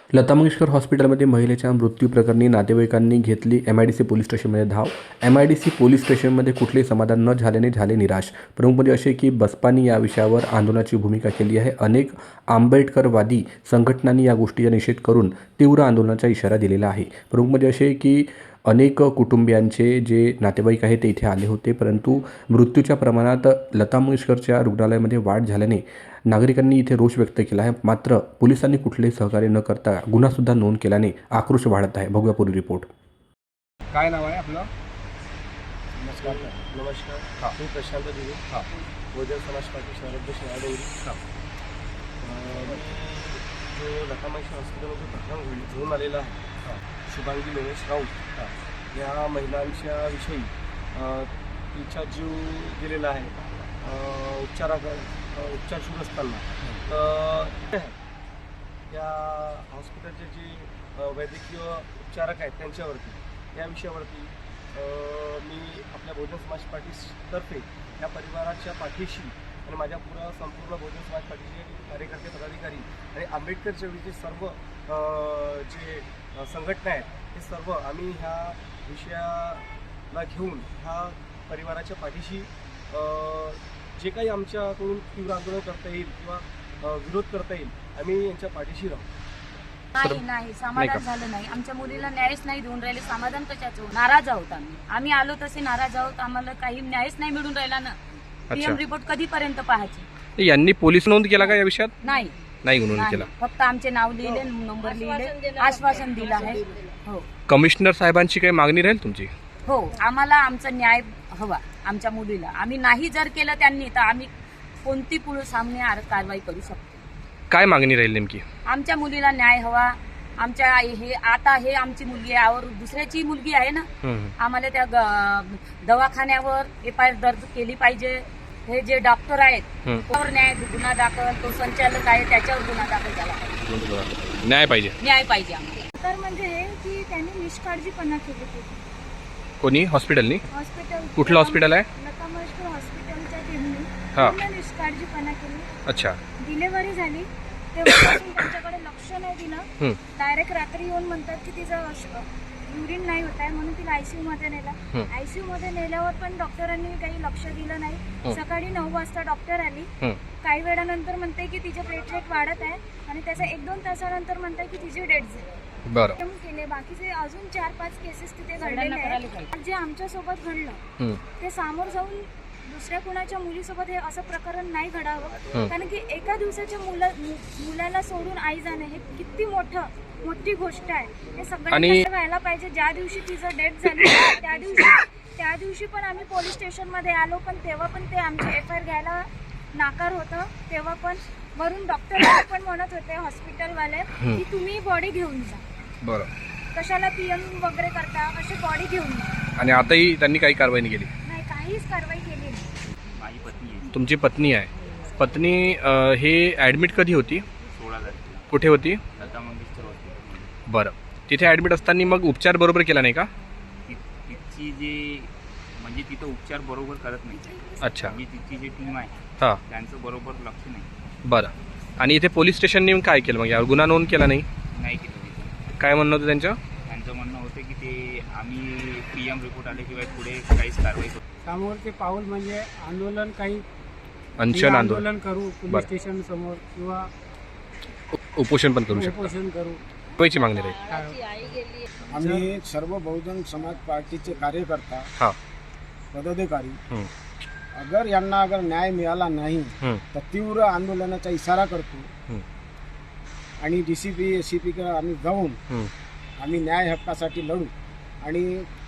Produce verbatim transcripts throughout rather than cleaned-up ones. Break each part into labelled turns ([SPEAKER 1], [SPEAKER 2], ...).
[SPEAKER 1] लता मंगेशकर हॉस्पिटलमध्ये महिलेच्या मृत्यू प्रकरणी नातेवाईकांनी घेतली M I D C police स्टेशनमध्ये धाव. M I D C police स्टेशनमध्ये कुठलेही समाधान न झाल्याने झाले निराश. प्रमुख म्हणजे असे की बसपानी या विषयावर आंदोलनाची भूमिका केली आहे. अनेक आंबेडकरवादी संघटनांनी या गोष्टीचा निषेध करून तीव्र आंदोलनाचा इशारा दिलेला आहे. प्रमुख म्हणजे असे की अनेक कुटुंबियांचे जे नातेवाईक आहेत ते इथे आले होते, परंतु मृत्यूच्या प्रमाणात लता मंगेशकरच्या रुग्णालयामध्ये वाढ झाल्याने नागरिकांनी इथे रोष व्यक्त केला आहे. मात्र पोलिसांनी कुठलेही सहकार्य न करता गुन्हासुद्धा नोंद केल्याने आक्रोश वाढत आहे. बघूया पूर्ण रिपोर्ट.
[SPEAKER 2] काय नाव आहे आपलं?
[SPEAKER 3] नमस्कार नमस्कार
[SPEAKER 2] हां.
[SPEAKER 3] मी प्रशांत दिवे.
[SPEAKER 2] हां
[SPEAKER 3] बहुजन समाज पार्टी शहराध्यक्ष यादवरी.
[SPEAKER 2] हां
[SPEAKER 3] जो लता मंगेशकर हॉस्पिटलमध्ये प्रकरण घडली घेऊन आलेला आहे शुभांगी लोणेश राऊत या महिलांच्या विषयी तिचा जीव गेलेला आहे उपचारा उपचार सुरू असताना. तर या हॉस्पिटलचे जे वैद्यकीय उपचारक आहेत त्यांच्यावरती या विषयावरती मी आपल्या बहुजन समाज पार्टीतर्फे या परिवाराच्या पाठीशी आणि माझ्या पुरा संपूर्ण बहुजन समाज पार्टीचे कार्यकर्ते पदाधिकारी आणि आंबेडकर चळवळीचे सर्व जे संघटना आहेत हे सर्व आम्ही ह्या विषयाला घेऊन ह्या परिवाराच्या पाठीशी जे काही आमच्याकडून तीव्र आंदोलन करता येईल किंवा विरोध करता येईल आम्ही यांच्या पाठीशी राहू.
[SPEAKER 4] नाही नाही समाधान झालं नाही. आमच्या मुलीला न्यायच नाही देऊन राहिले. समाधान कशाचं? नाराज आहोत आम्ही आम्ही आलो तसे नाराज आहोत. आम्हाला काही न्यायच नाही मिळून राहिला ना. पीएम रिपोर्ट कधीपर्यंत पाहायचे?
[SPEAKER 2] यांनी पोलीस नोंद केला का या विषयात?
[SPEAKER 4] नाही
[SPEAKER 2] नाही नोंद केला.
[SPEAKER 4] फक्त आमचे नाव लिहिले, नंबर लिहिले, आश्वासन दिलं आहे. हो
[SPEAKER 2] कमिशनर साहेबांची काही मागणी राहील तुमची?
[SPEAKER 4] हो आम्हाला आमचा न्याय हवा आमच्या मुलीला. आम्ही नाही जर केलं त्यांनी तर आम्ही कोणती पुढे सामने कारवाई करू शकतो.
[SPEAKER 2] काय मागणी राहील नेमकी?
[SPEAKER 4] आमच्या मुलीला न्याय हवा. आमच्या हे आता हे आमची मुलगी आहे और दुसऱ्याची मुलगी आहे ना. आम्हाला त्या दवाखान्यावर एफ आय आर दर्ज केली पाहिजे. हे जे डॉक्टर आहेत त्यावर न्याय गुन्हा दाखल, तो संचालक आहे त्याच्यावर गुन्हा दाखल झाला पाहिजे.
[SPEAKER 2] न्याय पाहिजे
[SPEAKER 4] न्याय पाहिजे आम्हाला.
[SPEAKER 5] तर म्हणजे हे की त्यांनी निष्काळजीपणा केली होती.
[SPEAKER 2] कोणी? हॉस्पिटलनी?
[SPEAKER 5] हॉस्पिटल
[SPEAKER 2] कुठलं हॉस्पिटल आहे?
[SPEAKER 5] लता मंगेशकर हॉस्पिटलच्या टीमने
[SPEAKER 2] हा.
[SPEAKER 5] पूर्ण निष्काळजीपणा केली.
[SPEAKER 2] अच्छा.
[SPEAKER 5] डिलेव्हरी झाली तेव्हापासून त्यांच्याकडे लक्ष नाही दिलं.
[SPEAKER 2] हम्म.
[SPEAKER 5] डायरेक्ट रात्री येऊन म्हणतात की तिचं युरिन नाही होत आहे म्हणून तिला आयसीयू मध्ये नेला. आयसीयू मध्ये नेल्यावर पण डॉक्टरांनी काही लक्ष दिलं नाही. सकाळी नऊ वाजता डॉक्टर आली. काही वेळानंतर म्हणते की तिचे प्लेटलेट वाढत आहे आणि त्याच्या एक दोन तासानंतर म्हणते की तिची डेथ झाली.
[SPEAKER 2] बरं
[SPEAKER 5] केले बाकीचे अजून चार पाच केसेस तिथे घडलेले आहेत. जे आमच्या सोबत घडलं ते सामोर जाऊन दुसऱ्या कुणाच्या मुलीसोबत हे असं प्रकरण नाही घडावं. कारण की एका दिवसाच्या मुला मुलाला सोडून आई जाणे हे किती मोठं मोठी गोष्ट आहे. हे सगळ्यांना व्हायला पाहिजे. ज्या दिवशी तिचं डेथ झाली त्या दिवशी त्या दिवशी पण आम्ही पोलीस स्टेशन मध्ये आलो, पण तेव्हा पण ते आमचे एफ आय आर घ्यायला नाकार होतं. तेव्हा पण वरून डॉक्टर पण म्हणत होते हॉस्पिटलवाले की तुम्ही बॉडी घेऊन जा.
[SPEAKER 2] बरं.
[SPEAKER 5] कशाला पीएम वगैरे करता, अशी बॉडी घेऊन जा.
[SPEAKER 2] आणि आताही त्यांनी काही कारवाई नाही केली?
[SPEAKER 5] नाही, काहीच कारवाई केली नाही.
[SPEAKER 3] माझी पत्नी आहे.
[SPEAKER 2] तुमची पत्नी आहे? पत्नी हे ॲडमिट कधी होती?
[SPEAKER 3] सोळा तारखेला.
[SPEAKER 2] कुठे होती?
[SPEAKER 3] लता मंगेशकर हॉस्पिटल.
[SPEAKER 2] बरं. तिथे ॲडमिट असताना मग उपचार बरोबर केला नाही का?
[SPEAKER 3] तिची जे म्हणजे तिथं उपचार बरोबर करत नाही.
[SPEAKER 2] अच्छा.
[SPEAKER 3] म्हणजे तिची जी टीम आहे
[SPEAKER 2] हां
[SPEAKER 3] त्यांचं बरोबर लक्ष नाही.
[SPEAKER 2] बरं. आणि इथे पोलीस स्टेशनने काय केलं मग? यावर गुन्हा नोंद केला नाही?
[SPEAKER 3] नाही केलं तिथं.
[SPEAKER 2] काय म्हणणं होतं त्यांचं?
[SPEAKER 3] त्यांचं म्हणणं होतं की ते आम्ही पी एम रिपोर्ट आल्याशिवाय पुढे काहीच कारवाई करू.
[SPEAKER 6] समोरचे पाऊल म्हणजे आंदोलन, काही
[SPEAKER 2] अंशन आंदोलन
[SPEAKER 6] आंदोलन करू पोलीस स्टेशन समोर किंवा
[SPEAKER 2] उपोषण पण करू शकतो.
[SPEAKER 6] उपोषण करू.
[SPEAKER 2] पैची मागणी राहील.
[SPEAKER 7] आम्ही सर्व बहुजन समाज पार्टीचे कार्यकर्ता
[SPEAKER 2] हां
[SPEAKER 7] पदाधिकारी अगर यांना अगर न्याय मिळाला नाही तर तीव्र आंदोलनाचा इशारा करतो आणि D C P S C P आम्ही जाऊन आम्ही न्याय हक्कासाठी लढू. आणि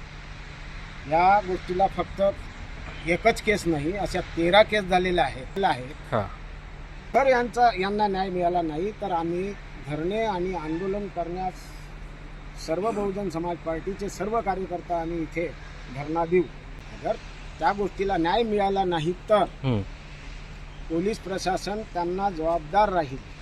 [SPEAKER 7] या गोष्टीला फक्त एकच केस नाही, अशा तेरा केस झालेल्या आहेत आहेत तर यांचा यांना न्याय मिळाला नाही तर आम्ही धरणे आणि आंदोलन करण्यास सर्व बहुजन समाज पार्टीचे सर्व कार्यकर्ता आम्ही इथे धरणा देऊ. अगर त्या गोष्टीला न्याय मिळाला नाही तर पोलीस प्रशासन त्यांना जबाबदार राहील.